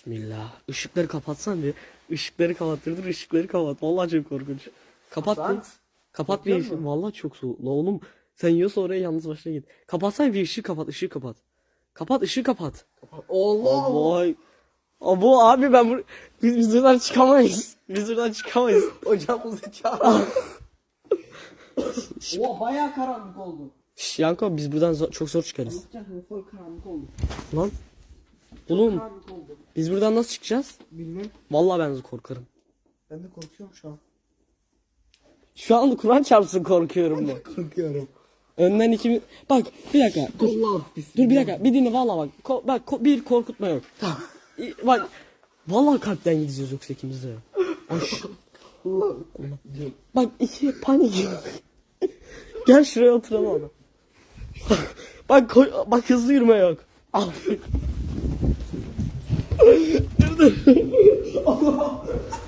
Bismillah. Işıkları kapatsan bir. Işıkları kapattırdır, ışıkları kapat. Vallahi çok korkunç. Kapat bir. Kapat bir. Vallahi çok soğuk. La oğlum sen yiyorsa oraya yalnız başına git. Kapatsan bir, ışığı kapat, ışığı kapat. Kapat, ışığı kapat. Allah. Vay. Abo abi biz buradan çıkamayız. Biz buradan çıkamayız. Hocamızı çağır. Oha bayağı karanlık oldu. Şş, Yanko biz buradan çok zor çıkarız. Anlatacak full karanlık oldu. Lan. Oğlum Karanlık oldu. biz buradan nasıl çıkacağız? Bilmem. Vallahi ben korkarım. Ben de korkuyorum şu an. Şu an Kur'an çarpsın korkuyorum ben. Korkuyorum. Önden ikimiz... Bak bir dakika dur. Allah Dur bir dakika bir dinle vallahi bak. Bir korkutma yok. Bak vallahi kalpten gideceğiz yoksa ikimiz de. Allah. Bak iki panik. Gel şuraya oturalım abi. Bak hızlı yürüme yok. Dur.